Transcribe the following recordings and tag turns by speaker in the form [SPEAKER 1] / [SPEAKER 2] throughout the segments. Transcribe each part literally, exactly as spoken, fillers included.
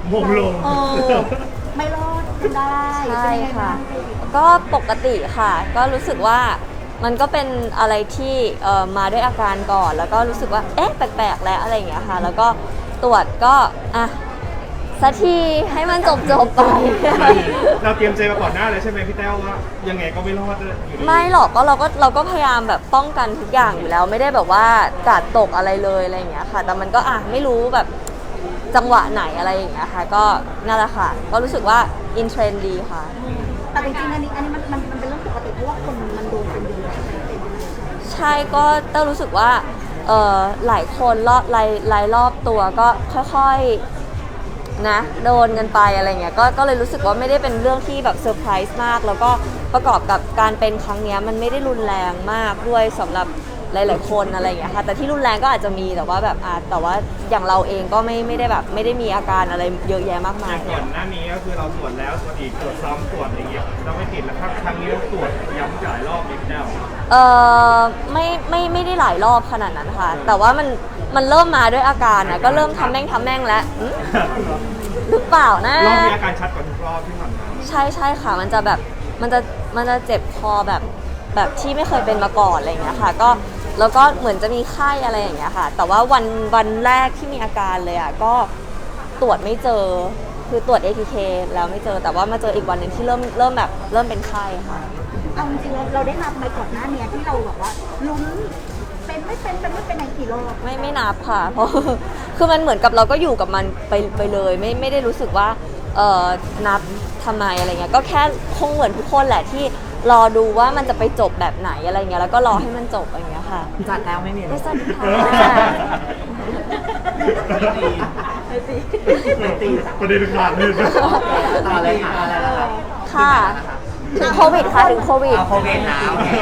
[SPEAKER 1] มงลง
[SPEAKER 2] เออไม่รอดได้
[SPEAKER 3] ใช่ค่ะก็ปกติค่ะก็รู้สึกว่ามันก็เป็นอะไรที่เอ่อมาด้วยอาการก่อนแล้วก็รู้สึกว่าเอ๊ะแปลกๆแล้วอะไรอย่างเงี้ยค่ะแล้วก็ตรวจก็อ่ะสักทีให้มันจบจบไป
[SPEAKER 1] เราเตรียมใจมาก่อนหน้าเลยใช่ไหมพี่แต้วว่ายังไงก็ไม่รอดอยู่ดี
[SPEAKER 3] ไม่หรอกก็เราก็เราก็พยายามแบบป้องกันทุกอย่างอยู่แล้วไม่ได้แบบว่ากาดตกอะไรเลยอะไรอย่างเงี้ยค่ะแต่มันก็อ่ะไม่รู้แบบจังหวะไหนอะไรอย่างเงี้ยค่ะก็นั่นแหละค่ะก็รู้สึกว่าอินเทรนด์ดีค่ะ
[SPEAKER 2] แต่จริงๆอันนี้อันนี้มันมันมันเป็นเรื่องปกติเพราะว่าคนมันโดนกันเยอะ
[SPEAKER 3] ใช่ก็เต้ารู้สึกว่าเออหลายคนรอบรายรายรอบตัวก็ค่อยๆนะโดนกันไปอะไรเงี้ยก็ก็เลยรู้สึกว่าไม่ได้เป็นเรื่องที่แบบเซอร์ไพรส์มากแล้วก็ประกอบกับการเป็นครั้งนี้มันไม่ได้รุนแรงมากด้วยสำหรับหลายๆคนอะไรอย่างเงี้ยค่ะแต่ที่รุนแรงก็อาจจะมีแต่ว่าแบบอ่ะแต่ว่าอย่างเราเองก็ไม่ไม่ได้แบบไม่ได้มีอาการอะไรเยอะแยะมากมาย
[SPEAKER 1] ก่อนหน้านี้ก็คือเราตรวจแล้วตรวจอีกตรวจซ้ำตรวจอย่างเงี้ยเราไม่ติดแล้วครับครั้งนี้เราตรวจย้ำหลายรอบนิดเดียว
[SPEAKER 3] เออไม่ไม่ไม่ได้หลายรอบขนาดนั้นค่ะแต่ว่ามันมันเริ่มมาด้วยอาการนะก็เริ่มทำแม่งทำแม่งแล้วหรือเปล่านะ
[SPEAKER 1] รอบมีอาการชัดกว่าทุกรอบที่ผ่านมา
[SPEAKER 3] ใช่ใช่ค่ะมันจะแบบมันจะมันจะเจ็บคอแบบแบบที่ไม่เคยเป็นมาก่อนอะไรอย่างเงี้ยค่ะก็แล้วก็เหมือนจะมีไข้อะไรอย่างเงี้ยค่ะแต่ว่าวันวันแรกที่มีอาการเลยอ่ะก็ตรวจไม่เจอคือตรวจ เอ ที เค แล้วไม่เจอแต่ว่ามาเจออีกวันหนึ่งที่เริ่มเริ่มแบบเริ่มเป็นไข้ค่ะ
[SPEAKER 2] เอาจริงๆเราได้นับไหมก่อนหน้านี้ที่เราแบบว่าลุ้นเป็นไม่เป็นเป็นไม่เป็นในกี่รอบ
[SPEAKER 3] ไม่ไม่นับค่ะเพราะคือมันเหมือนกับเราก็อยู่กับมันไปไปเลยไม่ไม่ได้รู้สึกว่าเออนับทำไมอะไรเงี้ยก็แค่คงเหมือนทุกคนแหละที่รอดูว่ามันจะไปจบแบบไหนอะไรเงี้ยแล้วก็รอให้มันจบอะไรเงี้ยค่ะ
[SPEAKER 4] จัดแล้วไม่มี
[SPEAKER 3] ไม่สนค่ะ
[SPEAKER 4] ไม่ตีไม่ตี
[SPEAKER 1] ประเด็นขาดเลย
[SPEAKER 4] ต่อเลยค่ะอะไรนะคะ
[SPEAKER 3] ค่ะถึงโควิดค่ะถึงโควิด
[SPEAKER 4] โควิดนะโอเค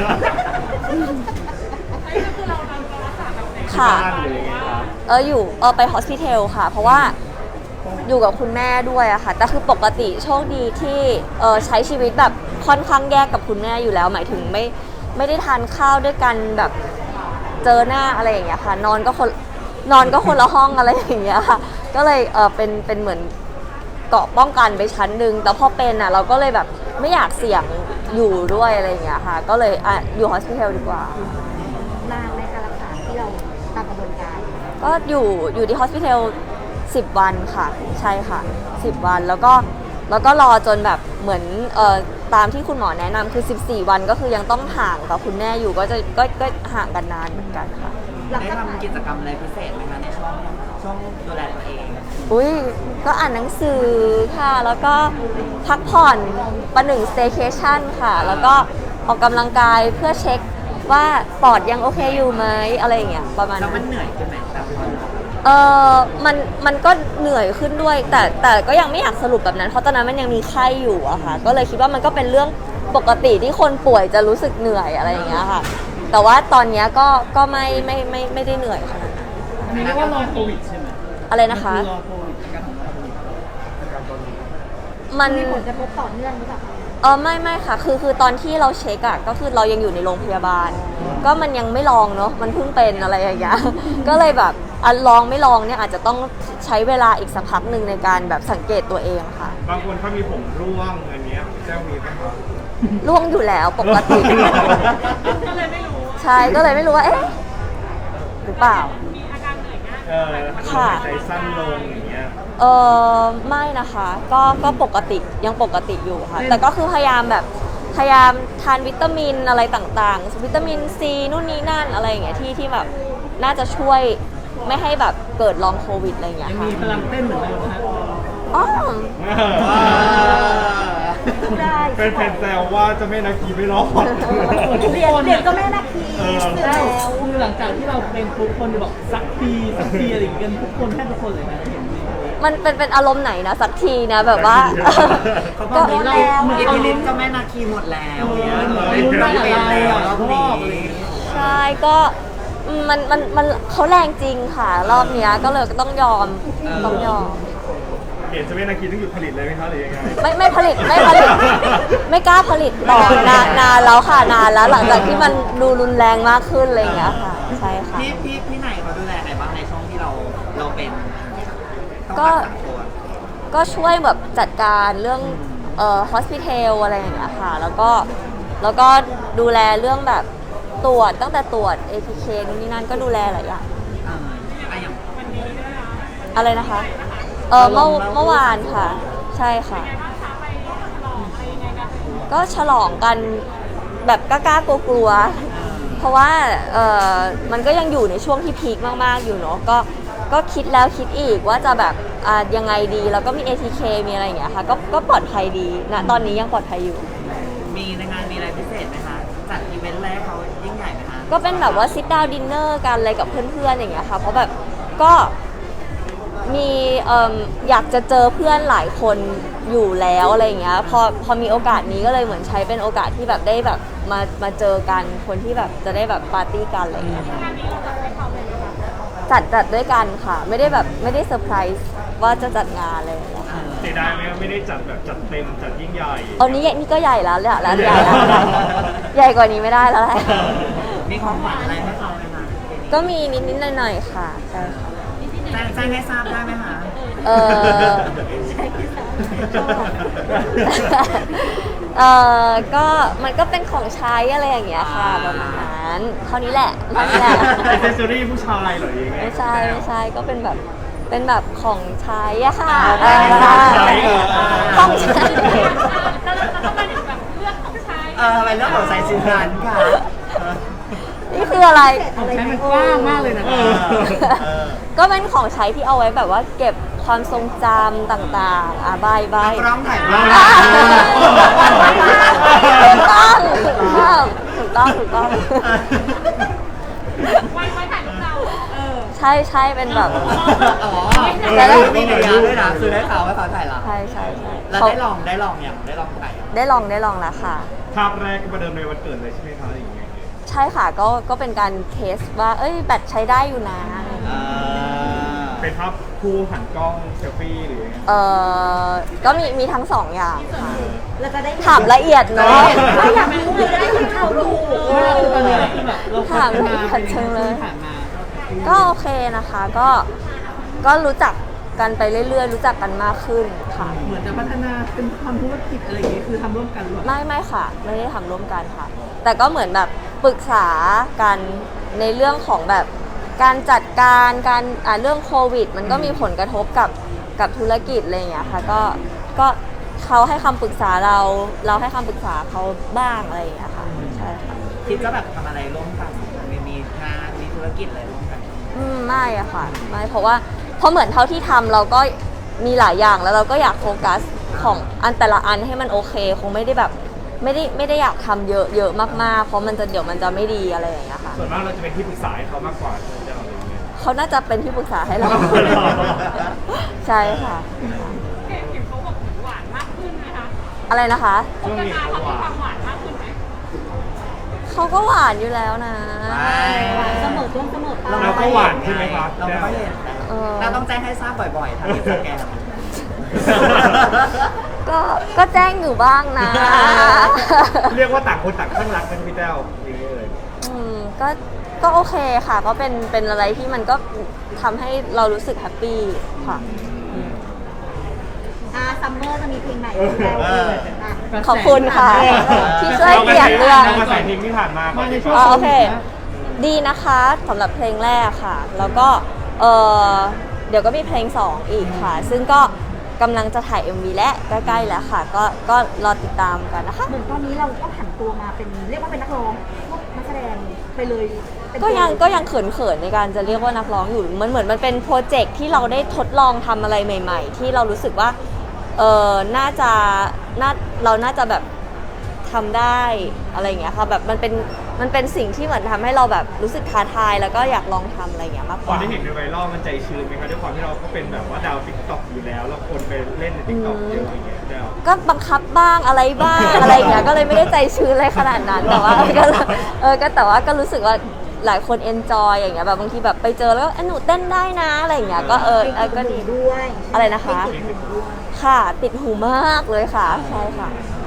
[SPEAKER 3] ค่ะเอออยู่เออไปฮอสพิทอลค่ะเพราะว่าอยู่กับคุณแม่ด้วยอะค่ะแต่คือปกติโชคดีที่เออใช้ชีวิตแบบค่อนข้างแยกกับคุณแม่อยู่แล้วหมายถึงไม่ไม่ได้ทานข้าวด้วยกันแบบเจอหน้าอะไรอย่างเงี้ยค่ะนอนก็คนนอนก็คนละห้องอะไรอย่างเงี้ยค่ะก็เลยเออเป็นเป็นเหมือนเกราะป้องกันไปชั้นหนึ่งแต่พอเป็นอะเราก็เลยแบบไม่อยากเสี่ยงอยู่ด้วยอะไรอย่างเงี้ยค่ะก็เลยอ่ะอยู่ฮอสพิทอลดีกว่
[SPEAKER 2] านานในการรักษาที่เราตามกระบวนการ
[SPEAKER 3] ก็อยู่อยู่ที่ฮอสพิทอลสิบวันค่ะใช่ค่ะสิบวันแล้วก็แล้วก็รอจนแบบเหมือนเอ่อตามที่คุณหมอแนะนำคือสิบสี่วันก็คือยังต้องห่างกับคุณแม่อยู่ก็จะก็ก็ห่างกันนานเหมือนกันค่ะ
[SPEAKER 4] ได้ทำกิจกรรมอะไรพิเศษไหมคะในช่วงช่วงดูแลตัวเอง
[SPEAKER 3] อุ้ยก็อ่านหนังสือค่ะแล้วก็พักผ่อนประหนึ่ง staycation ค่ะแล้วก็ออกกำลังกายเพื่อเช็คว่าปอดยังโอเคอยู่ไหมอะไรอย่างเงี้ยประมาณนั้น
[SPEAKER 4] แล้วมันเหนื่อยขึ้นไหมครับ
[SPEAKER 3] เออมันมันก็เหนื่อยขึ้นด้วยแต่แต่ก็ยังไม่อยากสรุปแบบนั้นเพราะตอนนั้นมันยังมีไข้อยู่อะค่ะก็เลยคิดว่ามันก็เป็นเรื่องปกติที่คนป่วยจะรู้สึกเหนื่อยอะไรอย่างเงี้ยค่ะแต่ว่าตอนนี้ก็ก็ไม่ไม่ไม่ไม่ได้เหนื่อยขนาดนั้น
[SPEAKER 4] อันนี้เรียกว่าลองโควิดใช่ไหม
[SPEAKER 3] อะไรนะคะ
[SPEAKER 4] ลองโควิดการของเรา
[SPEAKER 3] มัน
[SPEAKER 2] มีผลกระทบต่อเนื่องหรือเปล่า
[SPEAKER 3] เออไม่ไม่ค่ะคือคือตอนที่เราเช็คอะก็คือเรายังอยู่ในโรงพยาบาลก็มันยังไม่ลองเนาะมันเพิ่งเป็นอะไรอย่างเงี้ยก็เลยแบบอันลองไม่ลองเนี่ยอาจจะต้องใช้เวลาอีกสักพักหนึ่งในการแบบสังเกตตัวเองค่ะ
[SPEAKER 1] บางคนเขามีผมร่วงอันเนี้ยแจ้วมีไหมครับ
[SPEAKER 3] ร่วงอยู่แล้วปกติก็เลยไม่รู้ใช่ก็เลยไม่รู้ว่าเอ๊ะหรือเปล่า
[SPEAKER 1] มีอาการเหนื่อยง่ายเออค่ะใจสั้นลงอย่างเงี้ย
[SPEAKER 3] เออไม่นะคะก็ก็ปกติยังปกติอยู่ค่ะแต่ก็คือพยายามแบบพยายามทานวิตามินอะไรต่างๆวิตามินซีนู่นนี่นั่นอะไรอย่างเงี้ยที่ที่แบบน่าจะช่วยไม่ให้แบบเกิดลองโควิดอะไรอย่างเงี้ย
[SPEAKER 4] ค่ะมีพลังเต้นเหมือนเดิมนะ
[SPEAKER 3] อ๋อ
[SPEAKER 2] ได้
[SPEAKER 1] เป็นแฟนแซวว่าจะไม่นาคีไม่รอด
[SPEAKER 2] เรียนเรียนก็แม่นาคี
[SPEAKER 4] แล้วคือหลังจากที่เราเป็นทุกคนบอกสักทีสักทีอะไรอย่างเงี้ยทุกคนแทบทุกคนเลยนะเห็น
[SPEAKER 3] มันเป็นเป็นอารมณ์ไหนนะสักทีนะแบบว่า
[SPEAKER 4] ก็แล้วเอลินก็แม่นาคีหมดแล้วเนี่ยลุ้นได้แล้วรอบนี้
[SPEAKER 3] ใช่ก็มันมันมันเขาแรงจริงค่ะรอบนี้ก็เลยก็ต้องยอมต้องยอม
[SPEAKER 1] เห็นจะไม่นาคีต้องหยุดผลิตเลยไหมคะหรือยังไง
[SPEAKER 3] ไม่ไม่ผลิตไม่ผลิตไม่กล้าผลิตต่อนานนานแล้วค่ะนานแล้วหลังจากที่มันดูรุนแรงมากขึ้นอะไรอย่างเงี้ยค่ะใช่ค่ะ
[SPEAKER 4] พี่พี่พี่ไหนเขาดูแลไหนบ้างในช่วงที่เราเราเป็น
[SPEAKER 3] ก็ก็ช่วยแบบจัดการเรื่องเอ่อ hospital อะไรอย่างเงี้ยค่ะแล้วก็แล้วก็ดูแลเรื่องแบบตรวจตั้งแต่ตรวจ เอ ที เค นู่นนี่นั่นก็ดูแลหลายอย่าง
[SPEAKER 4] เอออะอย่าง
[SPEAKER 3] อะไรนะคะเออเมื่อเมื่อวานค่ะ ใช่ค่ะ ก็ฉลองกันแบบกล้าๆกลัวๆเพราะว่าเออมันก็ยังอยู่ในช่วงที่พีคมากๆอยู่เนาะก็ก็คิดแล้วคิดอีกว่าจะแบบอ่ายังไงดีแล้วก็มี เอ ที เค มีอะไรอย่างเงี้ยค่ะก็ก็ปลอดภัยดีนะตอนนี้ยังปลอดภัยอยู่
[SPEAKER 4] มีในงานมีอะไรพิเศษไหมคะจัดอีเวนต์แรกเขายิ่งใหญ่ไหมคะ
[SPEAKER 3] ก็เป็นแบบว่า sit down dinner กันอะไรกับเพื่อนๆอย่างเงี้ยค่ะเพราะแบบก็มีเอิ่มอยากจะเจอเพื่อนหลายคนอยู่แล้วอะไรอย่างเงี้ยพอพอมีโอกาสนี้ก็เลยเหมือนใช้เป็นโอกาสที่แบบได้แบบมามาเจอกันคนที่แบบจะได้แบบปาร์ตี้กันอะไรอย่างเงี้ยค่ะจัดจัดด้วยกันค่ะ ไม่ได้แบบไม่ได้เซอร์ไพรส์ว่าจะจัดงานอะไรอย่างเงี้ยค่ะ
[SPEAKER 1] เสียดายไหมว่าไม่ได้จัดแบบจัดเต็มจัดยิ่งใหญ่
[SPEAKER 3] เอานี้นี่ก็ใหญ่แล้วเนี่ยแล้วใหญ่แล้วใหญ่กว่านี้ไม่ได้แล้วแหละ
[SPEAKER 4] มีของขวัญอะไรให้เขาไหมคะ
[SPEAKER 3] ก็มีนิดๆหน่อยๆค่ะใช่ค่ะ
[SPEAKER 4] แจ้งแจ้งให้ทราบได้ไหมคะ
[SPEAKER 3] เออ เออก็มันก็เป็นของใช้อะไรอย่างเงี้ยค่ะประมาณนั้นเท่านี้แหละเท่านี้แหละ
[SPEAKER 1] เป็นเซสซอรี่ผู้ชายเหรอยังไง
[SPEAKER 3] ไม่ใช่ไม่ใช่ก็เป็นแบบเป็นแบบของใช้อะค่ะ
[SPEAKER 4] อ่า
[SPEAKER 3] เออ
[SPEAKER 1] ของใช้
[SPEAKER 3] ของใช้
[SPEAKER 4] เออทำไมเรื่องของไซซินนั้นค่ะ
[SPEAKER 3] นี่คืออะไร
[SPEAKER 2] อะไร
[SPEAKER 4] ใช้
[SPEAKER 2] นะ
[SPEAKER 4] มันกว้างมากเลยนะ
[SPEAKER 1] เออ
[SPEAKER 3] ก็เป็นของใช้ที่เอาไว้แบบว่าเก็บความทรงจำต่างๆอ่ะบายบาย
[SPEAKER 4] กล้องถ่ายรูป
[SPEAKER 3] อ่าถูกต้องถูกต้องถูกต้องถูกต้องใช่ใช่เป็นแบบ
[SPEAKER 4] อ๋อ
[SPEAKER 3] แล้วได้
[SPEAKER 4] มีหนึ่งอย่างด้วยนะคือได้ข่าวว่าเขาถ่ายเรา
[SPEAKER 3] ใช่ใช่ใช่
[SPEAKER 4] แล้ว
[SPEAKER 3] เขา
[SPEAKER 4] ได้ลองได้ลองยังได้ลองถ่ายยัง
[SPEAKER 3] ได้ลองได้ลองแล้วค่ะ
[SPEAKER 1] ภาพแรกก็ประเดิมในวันเกิดเลยใช่ไหมคะอย่างเงี้ย
[SPEAKER 3] ใช่ค่ะก็ก็เป็นการเทสว่า เอ้ยแบตใช้ได้อยู่นะ
[SPEAKER 4] อ่า
[SPEAKER 1] เป็นภาพคู่หันกล้องเซลฟี่หรือยังไง
[SPEAKER 3] เออก็มีมีทั้งสองอย่างค่ะ
[SPEAKER 2] เราจะได้
[SPEAKER 3] ถามละเอียดเนาะ
[SPEAKER 2] เราอยากรู้เลยได้เห็นข่าวดู
[SPEAKER 4] ตอนนี้คือแบบเรา
[SPEAKER 3] ถามละเอียดจังเลย
[SPEAKER 4] ผ่านมา
[SPEAKER 3] ก็โอเคนะคะก็ก็รู้จักกันไปเรื่อยๆ รู้จักกันมากขึ้นค่ะ
[SPEAKER 4] เหมือนจะพัฒนาเป็นทำธุรกิจอะไรอย่างงี้คือทำร่วมกันหรือเปล่า
[SPEAKER 3] ไม่ไม่ค่ะ ไม่ได้ทำร่วมกันค่ะ แต่ก็เหมือนแบบปรึกษากันในเรื่องของแบบการจัดการการอ่าเรื่องโควิด มันก็มีผลกระทบกับกับธุรกิจอะไรอย่างเงี้ยค่ะก็ก็เขาให้คำปรึกษาเราเราให้คำปรึกษาเขาบ้างอะไรอย่างเงี้ยค่ะใช่ค่ะ
[SPEAKER 4] คิดจะแบบทำอะไรร่วมกันมีมีงานมีธุรกิจอะไรร่วมกัน
[SPEAKER 3] อืมไม่อะค่ะไม่เพราะว่าเพราะเหมือนเท่าที่ทำเราก็มีหลายอย่างแล้วเราก็อยากโฟกัสของอันแต่ละอันให้มันโอเค คงไม่ได้แบบไม่ได้ไม่ได้อยากทำเยอะเยอะมากๆ เพราะมันจะเดี๋ยวมันจะไม่ดีอะไรอย่างเงี้ยค่ะ
[SPEAKER 1] ส่วนมากเราจะเป็นที่ปรึกษาให้เขามากกว่าใช่ไหมอะไรอย่างเงี้ย
[SPEAKER 3] เขาน่าจะเป็นที่ปรึกษาให้เรา ใช่ค่ะอะไรนะคะ
[SPEAKER 1] ช่วงนี้เขาหวาน
[SPEAKER 3] เขาก็หวานอยู่แล้วนะ
[SPEAKER 2] เสมอต้นเสมอปลาย
[SPEAKER 1] เราก็หวานใช่ไหมครับ
[SPEAKER 4] เราไม่ค่อยเห็น
[SPEAKER 3] เออ
[SPEAKER 4] เราต้องแจ้งให้ทราบบ่อยๆทางอินสตาแกรม
[SPEAKER 3] ก็ก็แจ้งอยู่บ้างนะ
[SPEAKER 1] เรียกว่าต่างคนต่างข้างรักกันพี่แต้วอย่างนี้เลย
[SPEAKER 3] อืมก็ก็โอเคค่ะ ก็เป็นเป็นอะไรที่มันก็ทำให้เรารู้สึกแฮปปี้ค่ะ
[SPEAKER 2] อ่าซัมเมอร์จะมีเพลงไหนของเราเอ่ยอ่ะ
[SPEAKER 3] ขอบคุณค่ะ ที่ช่วยเปลี่ยนเรื่อง
[SPEAKER 1] เรามาใส่เพลงที่ผ่านมาก่อนดีก
[SPEAKER 3] อ๋อ
[SPEAKER 1] ว่า
[SPEAKER 3] โอเค ดีนะคะสำหรับเพลงแรกค่ะ แล้วก็เออเดี๋ยวก็มีเพลงสองอีกค่ะ ซึ่งก็กำลังจะถ่าย เอ็ม วี และใกล้ๆแล้วค่ะ ก็ก็รอติดตามกันนะคะ
[SPEAKER 2] เหมือนตอนนี้เราก็ผันตัวมาเป็นเรียกว่าเป็นนักร้องพวกนักแสดงไปเลยเป็น
[SPEAKER 3] ก็ยังก็ยังเขินๆในการจะเรียกว่านักร้องอยู่มันเหมือนมันเป็นโปรเจกต์ที่เราได้ทดลองทำอะไรใหม่ ๆ ที่เรารู้สึกว่าเออน่าจะน่าเราน่าจะแบบทำได้อะไรอย่างเงี้ยค่ะแบบมันเป็นมันเป็นสิ่งที่เหมือนทำให้เราแบบรู้สึกท้าทายแล้วก็อยากลองทำอะไรอย่างเงี้ยมากก
[SPEAKER 1] ตอน
[SPEAKER 3] ว่า
[SPEAKER 1] ที่เห็นในไวรัลมันใจชื้นไหมครับด้วยความที่เราก็เป็นแบบว่าดาวติ๊กต็อกอยู่แล้วแล้วคนไปเล่นในติ๊กต็อกเยอะอย่างเงี้ยแต้ว
[SPEAKER 3] ก็บังคับบ้างอะไรบ้าง อะไรอย่างเงี้ยก็เลยไม่ได้ใจชื้นอะไรขนาดนั้นแต่ว่า ก็เออก็แต่ว่าก็รู้สึกว่าหลายคนเอนจอยอย่างเงี้ยแบบบางทีแบบไปเจอแล้วก็เอ้ยหนูเต้นได้นะอะไรอย่างเงี้ยก็เออเออก็ดี
[SPEAKER 2] ด้วย
[SPEAKER 3] อะไรนะคะ
[SPEAKER 2] เพลงติดหูด้วย
[SPEAKER 3] ค่ะติดหูมากเลยค่ะใช่ค่ะ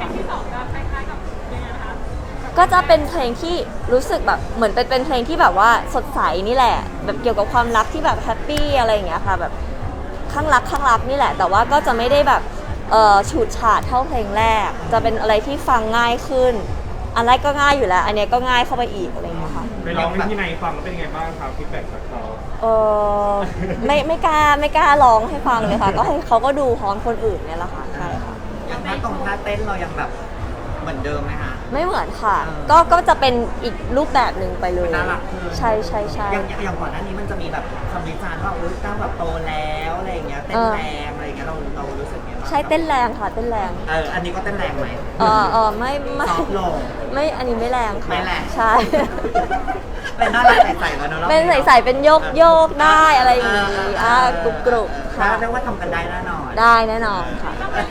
[SPEAKER 3] ก็จะเป็นเพลงที่รู้สึกแบบเหมือนเป็นเป็นเพลงที่แบบว่าสดใสนี่แหละ แบบเกี่ยวกับความรักที่แบบแฮปปี้อะไรอย่างเงี้ยค่ะแบบคข้างรักข้างรักนี่แหละ แต่ว่าก็จะไม่ได้แบบเอ่อฉูดฉาดเท่าเพลงแรก จะเป็นอะไรที่ฟังง่ายขึ้น อันแรกก็ง่ายอยู่แล้ว อันเนี้ยก็ง่ายเข้าไปอีกอะไรอย่างเงี้ยค่ะ
[SPEAKER 1] ไปร้องให้พี่นายฟังแล้วเป็นยังไงบ้างครับฟีดแบ็กจากเขา
[SPEAKER 3] เออไม่ไม่กล้าไม่กล้าร้องให้ฟังเลยค่ะ ก็ให้เขาก็ดูพร้อมคนอื่นเนี่ยแหละค่ะใช่ค่ะ
[SPEAKER 4] อย่างท่าตรงท่าเต้นเรายังแบบเหมือนเดิมไหมคะ
[SPEAKER 3] ไม่เหมือนค่ะ
[SPEAKER 4] เออ
[SPEAKER 3] ก็ก็จะเป็นอีกรูปแบบหนึ่งไปเลย
[SPEAKER 4] น่ารักขึ้น
[SPEAKER 3] ใช่ใช่ใช่
[SPEAKER 4] อย่างอย่างอย่างก่อนหน้านี้มันจะมีแบบคำวิจารณ์ว่าอุ้ยก้าวแบบโตแล้วอะไรอย่างเงี้ยเต้นแรงอะไรอย่างเงี้ยเราเรารู้สึกไงบ้าง
[SPEAKER 3] ใช่เต้นแรงค่ะเต้นแรง
[SPEAKER 4] เอออันนี้ก็เต้นแรงไหม
[SPEAKER 3] เออเออไม่ไม่
[SPEAKER 4] ซอฟต์ลง
[SPEAKER 3] ไม่อันนี้ไม่แรงค่ะ
[SPEAKER 4] ไม่แรง
[SPEAKER 3] ใช่
[SPEAKER 4] เป็นน่ารักใสๆแล้วเนอะรอบ
[SPEAKER 3] เป็นใส่ๆเป็นโยกโยกได้อะไรอย่างงี้อ่ากรุบกรุบ
[SPEAKER 4] ค่ะ
[SPEAKER 3] ค่ะ
[SPEAKER 4] เรียกว่าทำกันได้แน่นอน
[SPEAKER 3] ได้แน่นอนค่ะ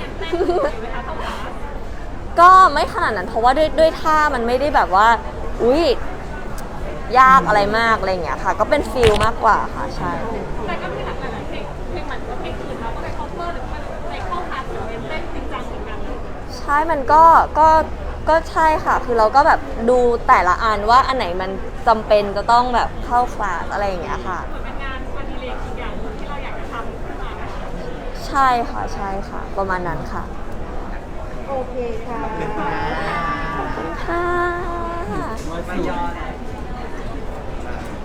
[SPEAKER 3] ก็ไม่ขนาดนั้นเพราะว่าด้วยด้วยท่ามันไม่ได้แบบว่า อุ้ยยากอะไรมากอะไรอย่างเงี้ยค่ะ ก็เป็นฟิลมากกว่าค่ะใช่
[SPEAKER 5] แต่ก็มีหลากหลายเพลงเพลงเหมือนกับเพลงอื่นเราก็ไป cover หรือว่าไปเข้าคลาสหรือเป็นเต้นจริงจังเหมือนกัน
[SPEAKER 3] ใช่มันก็ก็ก็ใช่ค่ะ คือเราก็แบบดูแต่ละอันว่าอันไหนมันจำเป็นจะต้องแบบเข้าคลาสอะไรอย่างเงี้ยค่ะ
[SPEAKER 5] เหมือนเป็นงานอดิเรกอีกอย่างหนึ่งที่เราอยากจะทำขึ้นมานะคะ
[SPEAKER 3] ใช่ค่ะใช่ค่ะ ประมาณนั้นค่ะ
[SPEAKER 2] โอเคค่ะ
[SPEAKER 3] ค่ะ
[SPEAKER 4] ไม่ยอม